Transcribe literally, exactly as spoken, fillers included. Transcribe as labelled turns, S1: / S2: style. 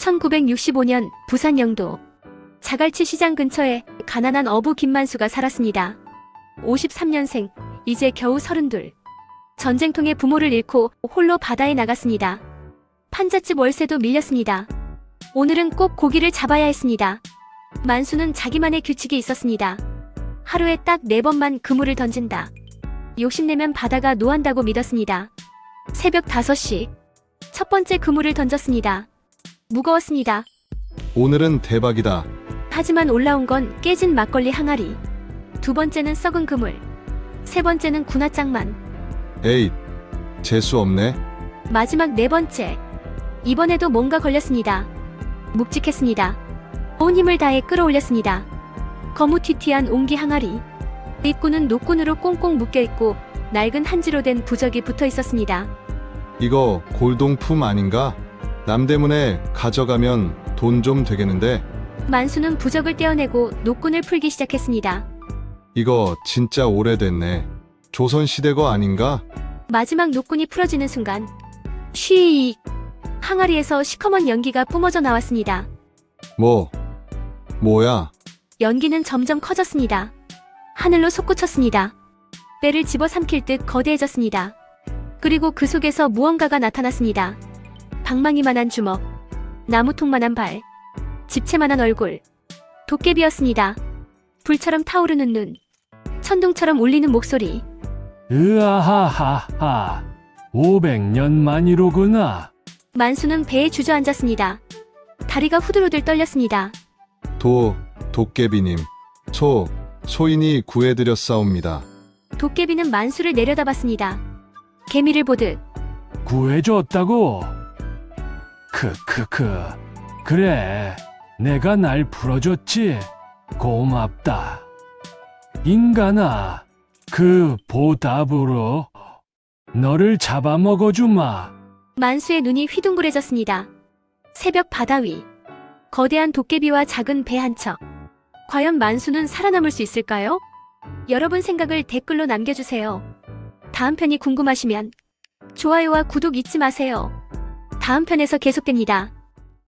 S1: 천구백육십오 년 부산 영도 자갈치 시장 근처에 가난한 어부 김만수가 살았습니다. 오십삼 년생, 이제 겨우 서른둘. 전쟁통에 부모를 잃고 홀로 바다에 나갔습니다. 판잣집 월세도 밀렸습니다. 오늘은 꼭 고기를 잡아야 했습니다. 만수는 자기만의 규칙이 있었습니다. 하루에 딱 네 번만 그물을 던진다. 욕심내면 바다가 노한다고 믿었습니다. 새벽 다섯 시 첫 번째 그물을 던졌습니다. 무거웠습니다.
S2: 오늘은 대박이다.
S1: 하지만 올라온 건 깨진 막걸리 항아리. 두 번째는 썩은 그물. 세 번째는 군화장만.
S2: 에잇, 재수 없네.
S1: 마지막 네 번째. 이번에도 뭔가 걸렸습니다. 묵직했습니다. 온 힘을 다해 끌어올렸습니다. 거무튀튀한 옹기 항아리. 입구는 노끈으로 꽁꽁 묶여있고 낡은 한지로 된 부적이 붙어 있었습니다.
S2: 이거 골동품 아닌가? 남대문에 가져가면 돈 좀 되겠는데?
S1: 만수는 부적을 떼어내고 노끈을 풀기 시작했습니다.
S2: 이거 진짜 오래됐네. 조선시대 거 아닌가?
S1: 마지막 노끈이 풀어지는 순간 쉬익! 항아리에서 시커먼 연기가 뿜어져 나왔습니다.
S2: 뭐? 뭐야?
S1: 연기는 점점 커졌습니다. 하늘로 솟구쳤습니다. 뼈를 집어삼킬 듯 거대해졌습니다. 그리고 그 속에서 무언가가 나타났습니다. 방망이만한 주먹, 나무통만한 발, 집채만한 얼굴, 도깨비였습니다. 불처럼 타오르는 눈, 천둥처럼 울리는 목소리.
S3: 으아하하하, 오백 년 만이로구나.
S1: 만수는 배에 주저앉았습니다. 다리가 후들후들 떨렸습니다.
S2: 도, 도깨비님. 소, 소인이 구해드렸사옵니다.
S1: 도깨비는 만수를 내려다봤습니다. 개미를 보듯.
S3: 구해줬다고? 크크크. 그래, 내가 날 풀어줬지. 고맙다. 인간아, 그 보답으로 너를 잡아먹어주마.
S1: 만수의 눈이 휘둥그레졌습니다. 새벽 바다 위. 거대한 도깨비와 작은 배 한 척. 과연 만수는 살아남을 수 있을까요? 여러분 생각을 댓글로 남겨주세요. 다음 편이 궁금하시면 좋아요와 구독 잊지 마세요. 다음 편에서 계속됩니다.